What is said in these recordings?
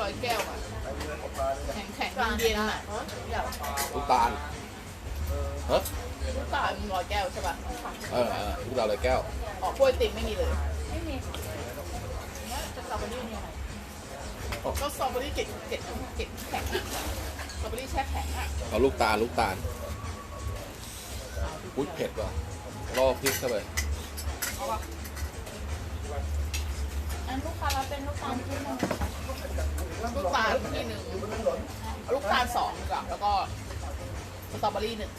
อยแก้วอ่ะแข็งแข็งเย็นอ่ะลูกตาลฮะลูกตาลร้อยแก้วใช่ป่ะลูกตาลเลยแก้วออกกล้วยติ่มไม่มีเลยไม่มีสตรอเบอรี่เนี่ยก็สตรอเบอรี่เกล็ดแข็งสตรอเบอรี่แช่แข็งอ่ะเอาลูกตาลอุ้ยเผ็ดว่ะล่อพริกเข้าไปอันลูกค้าเราเป็นลูกตาลที่หนึ่งลูกตาลที่หนึ่งลูกตาลสองกับแล้วก็สตรอเบอรี่หนึ่ง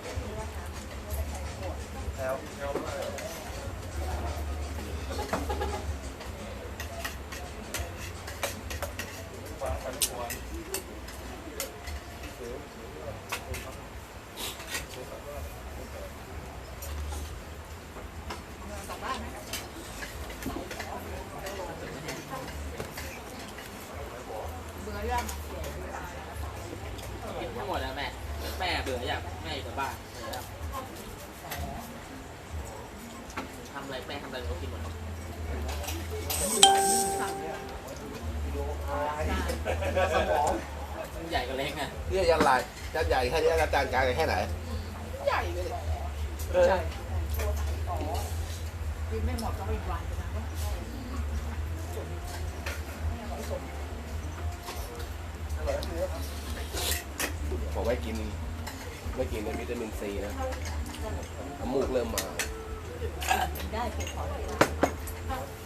เบื่อยังกินทั้งหมดแล้วแม่เบื่ออยากแม่อยู่กับบ้านเบื่อแล้วทำอะไรแม่ทำอะไรก็กินหมดใหญ่กับเล็กอ่ะนี่ยันลายยันใหญ่แค่นี้ยันจานกลางแค่ไหนใหญ่ไปเลยใช่กินไม่หมดก็อีกวันนะผมไม่กินในวิตามินซีนะน้ำมูกเริ่มมาได้เก็บของ